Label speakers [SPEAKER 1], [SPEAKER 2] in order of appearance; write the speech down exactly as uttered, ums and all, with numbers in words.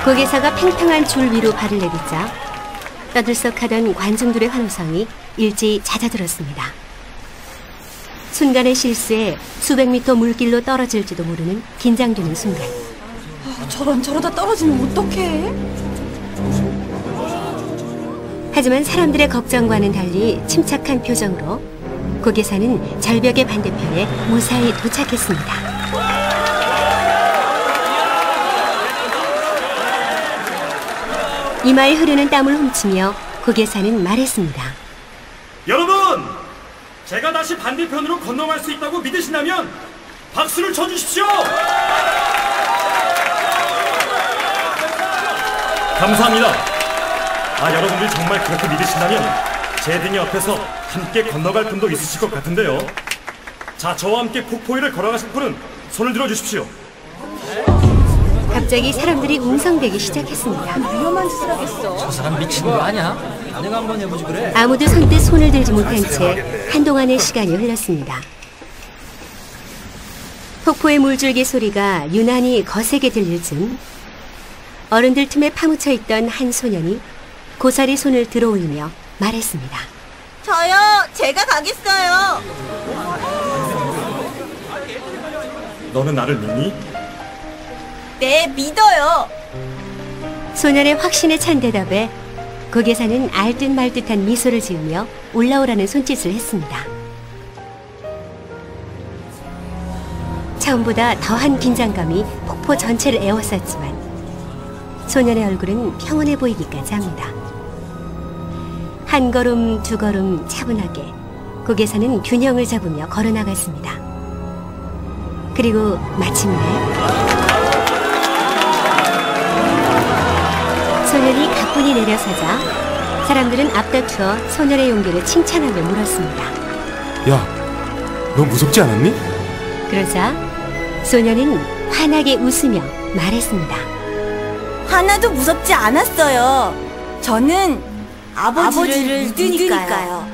[SPEAKER 1] 고개사가 팽팽한 줄 위로 발을 내딛자 떠들썩하던 관중들의 환호성이 일제히 잦아들었습니다. 순간의 실수에 수백 미터 물길로 떨어질지도 모르는 긴장되는 순간.
[SPEAKER 2] 아, 저런 저러다 떨어지면 어떡해?
[SPEAKER 1] 하지만 사람들의 걱정과는 달리 침착한 표정으로 고개사는 절벽의 반대편에 무사히 도착했습니다. 이마에 흐르는 땀을 훔치며 고개사는 말했습니다.
[SPEAKER 3] 여러분! 제가 다시 반대편으로 건너갈 수 있다고 믿으신다면 박수를 쳐주십시오! 감사합니다. 아, 여러분들이 정말 그렇게 믿으신다면 제 등 옆에서 함께 건너갈 분도 있으실 것 같은데요. 자, 저와 함께 폭포위를 걸어가실 분은 손을 들어주십시오.
[SPEAKER 1] 갑자기 사람들이 웅성대기 시작했습니다.
[SPEAKER 2] 위험한 짓을 하겠어.
[SPEAKER 4] 저 사람 미친 거 아니야? 내가 한번 해보지 그래.
[SPEAKER 1] 아무도 선뜻 손을 들지 못한 채 한동안의 시간이 흘렀습니다. 폭포의 물줄기 소리가 유난히 거세게 들릴 즈음 어른들 틈에 파묻혀 있던 한 소년이 고사리 손을 들어올리며 말했습니다.
[SPEAKER 2] 저요, 제가 가겠어요.
[SPEAKER 3] 너는 나를 믿니?
[SPEAKER 2] 네, 믿어요.
[SPEAKER 1] 소년의 확신에 찬 대답에 고개사는 알듯 말듯한 미소를 지으며 올라오라는 손짓을 했습니다. 처음보다 더한 긴장감이 폭포 전체를 에워쌌지만 소년의 얼굴은 평온해 보이기까지 합니다. 한 걸음 두 걸음 차분하게 고개사는 균형을 잡으며 걸어나갔습니다. 그리고 마침내 소년이 가뿐히 내려서자 사람들은 앞다투어 소년의 용기를 칭찬하며 물었습니다.
[SPEAKER 5] 야, 너 무섭지 않았니?
[SPEAKER 1] 그러자 소년은 환하게 웃으며 말했습니다.
[SPEAKER 2] 하나도 무섭지 않았어요. 저는 아버지를, 아버지를 믿으니까요. 믿으니까요.